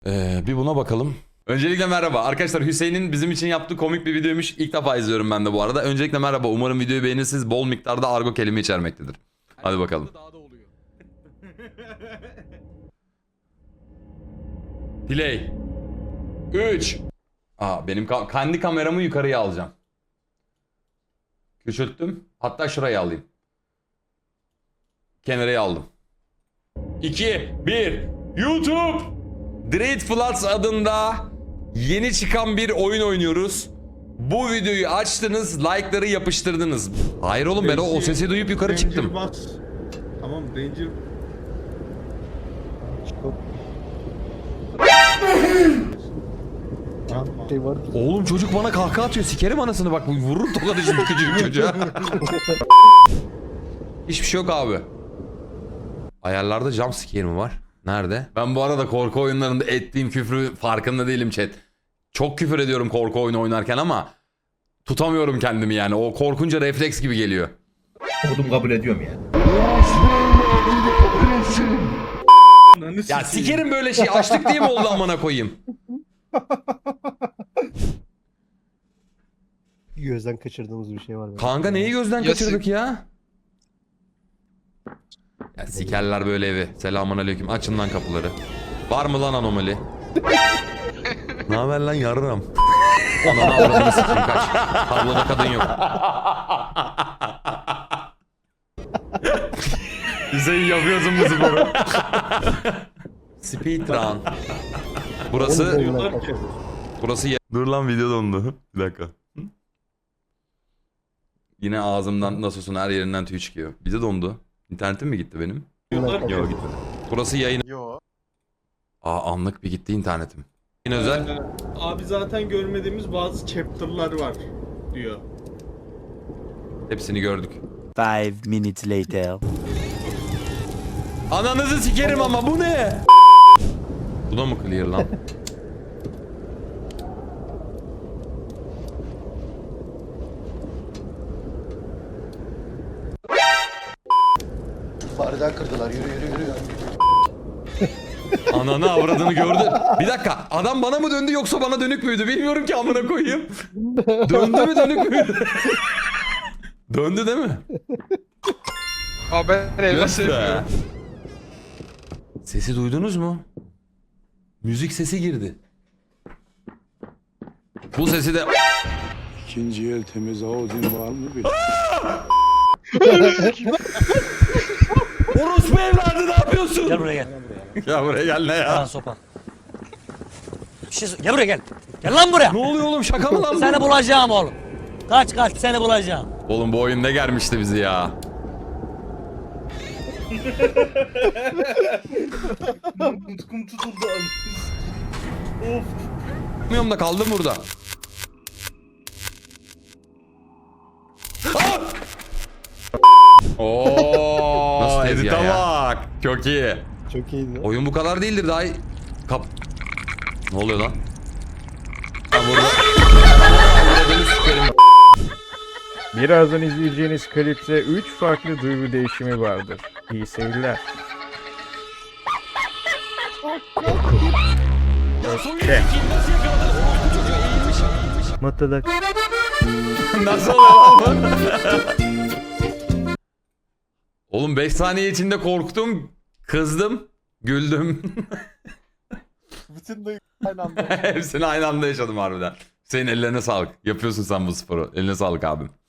Bir buna bakalım. Öncelikle merhaba. Arkadaşlar Hüseyin'in bizim için yaptığı komik bir videoymuş. İlk defa izliyorum ben de bu arada. Öncelikle merhaba. Umarım videoyu beğenirsiniz. Bol miktarda argo kelime içermektedir. Hadi bakalım. Play. 3. Benim kendi kameramı yukarıya alacağım. Küçülttüm. Hatta şuraya alayım. Kenarıya aldım. 2, 1. YouTube. Dread Floods adında yeni çıkan bir oyun oynuyoruz. Bu videoyu açtınız, like'ları yapıştırdınız. Hayır oğlum, ben o sesi duyup yukarı çıktım. Bas. Tamam Ranger. Oğlum çocuk bana kahkaha atıyor. Sikerim anasını, bak vurur tokadı şimdi küçücük çocuğa. Hiçbir şey yok abi. Ayarlarda jump scare mi var? Nerede? Ben bu arada korku oyunlarında ettiğim küfrü farkında değilim chat. Çok küfür ediyorum korku oyunu oynarken ama tutamıyorum kendimi yani. O korkunca refleks gibi geliyor. Kodum kabul ediyorum yani. Ya sikerim böyle şey. Açlık diye mi oldu amına koyayım? Gözden kaçırdığımız bir şey var. Kanka neyi gözden kaçırdık ya? Ya sikerler böyle evi. Selamun aleyküm. Açın lan kapıları. Var mı lan anomali? Ne haber lan yarram? Ananı avradını sikeyim, kaç. Tabloda kadın yok. Hüseyin yapıyorsun bu sporu. Speedrun. Burası dur lan, video dondu. Bir dakika. Yine ağzımdan nasılsın her yerinden tüy çıkıyor. Bize dondu. İnternetim mi gitti benim? Yok gitmedi. Burası yayın. Anlık bir gitti internetim. Yine özel. Abi zaten görmediğimiz bazı chapter'lar var diyor. Hepsini gördük. 5 minutes later. Ananızı sikerim ama bu ne? Bu da mı clear lan? Bardağı kırdılar. Yürü. Ananı avradını gördü. Bir dakika, adam bana mı döndü yoksa bana dönük müydü? Bilmiyorum ki amına koyayım. Döndü mü dönük müydü? Döndü değil mi? Abi ben evde Göz sevmiyorum. be. Sesi duydunuz mu? Müzik sesi girdi. Bu sesi de... İkinci el temiz Audin var mı bir? Orospu evladı ne yapıyorsun? Gel buraya gel. Ya buraya gel ne ya? Lan sopa. Gel buraya gel. Gel lan buraya. Ne oluyor oğlum, şaka mı lan bu? Seni bulacağım oğlum. Kaç seni bulacağım. Oğlum bu oyun ne germişti bizi ya? Tutkum tutuldu. Of. Bilmiyorum da kaldım burada. Ooo edite bak. Çok iyi. Çok iyiydi. Oyun bu kadar değildir daha iyi. Ne oluyor lan? Ha burada. Birazdan izleyeceğiniz klipte 3 farklı duygu değişimi vardır. İyi seyirler. Öfke. Mutluluk. Nasıl oluyor lan bu? Oğlum 5 saniye içinde korktum, kızdım, güldüm. Bütün duygu aynı anda. Hepsini aynı anda yaşadım harbiden. Senin ellerine sağlık. Yapıyorsun sen bu sporu. Eline sağlık abim.